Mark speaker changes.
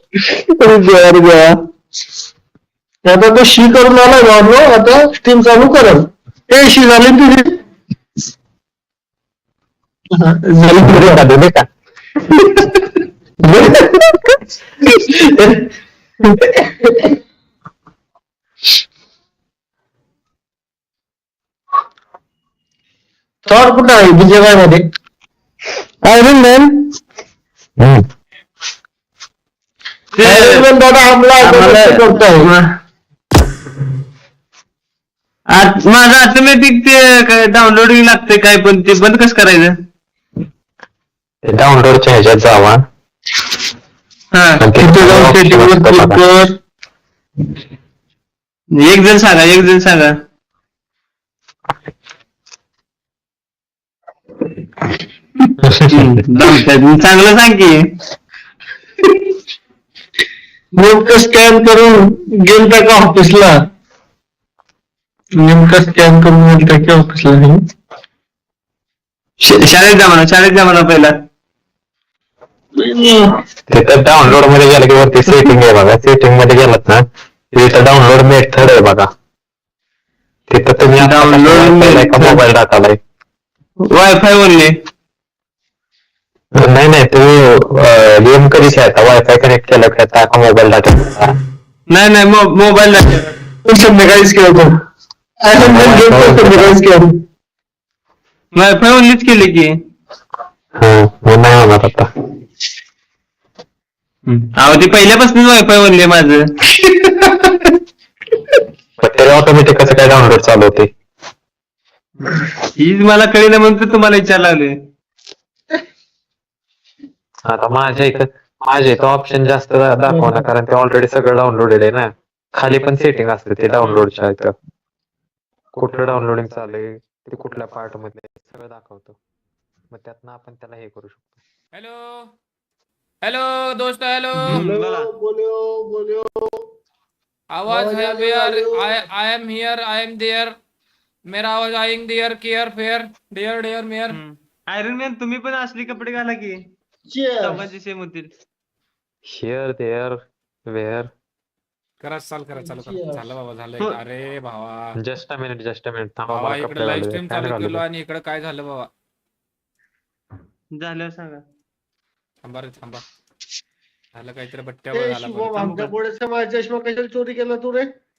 Speaker 1: बर बर. आता तो शी करून आला बाबलो, आता स्टीम चालू करल. ए शी झाली ना तुझी? हा, झाली
Speaker 2: बरं का
Speaker 1: बरं.
Speaker 2: दे का.
Speaker 1: थॉर कुठं आहे बीजेवाय मध्ये? Iron man.
Speaker 2: हम्म.
Speaker 1: आयरन मॅन दादा हमला करतोय.
Speaker 3: माझं ऑटोमॅटिक ते डाउनलोडिंग लागतंय काय पण ते बंद कसं करायचं?
Speaker 2: ते डाउनलोडच्या ह्याच्यात जावा.
Speaker 3: हा
Speaker 2: आणि
Speaker 1: तिथे जाऊन
Speaker 2: option
Speaker 1: सेटिंग वर
Speaker 2: असतं
Speaker 1: क्लिक
Speaker 2: बघा.
Speaker 1: कर.
Speaker 3: एक जण सांगा. चांगलं सांग की.
Speaker 1: नेमकं स्कॅन करून गेलता का ऑफिसला? नेमकं स्कॅन करून गेलता की ऑफिसला?
Speaker 3: शाळेत जा म्हणा पहिला.
Speaker 2: तिथं डाउनलोड मध्ये गेलं की वरती सेटिंग आहे बघा. सेटिंग मध्ये गेलात ना तिथं डाउनलोड मेथड आहे बघा. तिथं तुम्ही
Speaker 3: डाउनलोड
Speaker 2: वायफाय का मोबाईल डाटाला आहे?
Speaker 3: वायफाय बोलले.
Speaker 2: नाही तुम्ही गेम कधी खेळता? वायफाय कनेक्ट केलं खेळता का मोबाईल डाटा?
Speaker 3: नाही मोबाईल
Speaker 1: संध्याकाळीच खेळतो. संध्याकाळीच खेळतो.
Speaker 3: वायफाय ओनलीच केले की.
Speaker 2: मग नाही होणार आता.
Speaker 3: अहो ते पहिल्यापासून वायफाय बोलले माझं.
Speaker 2: पण त्याला ऑटोमॅटिक कसं काय डाउनलोड चालू होते?
Speaker 3: हीच मला कळलं म्हणून तर तुम्हाला विचार लागले.
Speaker 2: आता माझ्या इथं ऑप्शन जास्त दाखवणार कारण ते ऑलरेडी सगळं डाउनलोडेड आहे ना. खाली पण सेटिंग असते ते डाउनलोडच्या इथं. कुठलं डाउनलोडिंग चालू आहे ते कुठल्या पार्ट मध्ये सगळं दाखवतो. मग त्यातनं आपण त्याला हे करू शकतो.
Speaker 4: हेलो दोस्तों, हेलो.
Speaker 1: बोलो.
Speaker 4: आवाज है where? I am here, I am there. मेरा आवाज आएंगे there care fair dare mayor.
Speaker 3: Iron man तुम्ही पण असली कपडे घाला की. चौघांची सेम होतील.
Speaker 2: Here there where.
Speaker 4: करा चालू करा. झालं बाबा झालं. अरे भावा
Speaker 2: जस्ट अ मिनिट थांबा
Speaker 4: भावा
Speaker 2: मला
Speaker 4: इकडे
Speaker 2: कपडे
Speaker 4: लाईव्ह
Speaker 2: घालू दे.
Speaker 4: स्ट्रीम
Speaker 2: फॅन
Speaker 4: चालू
Speaker 2: घालू
Speaker 4: केलो
Speaker 2: दे.
Speaker 4: आणि इकडे काय झालं बाबा?
Speaker 3: झाल्यावर सांगा.
Speaker 4: थांबा झालं काहीतरी बट्ट्यावर झाला परत.
Speaker 1: आमच्या पुढे समाज चष्मा कशाला चोरी केला तू रे?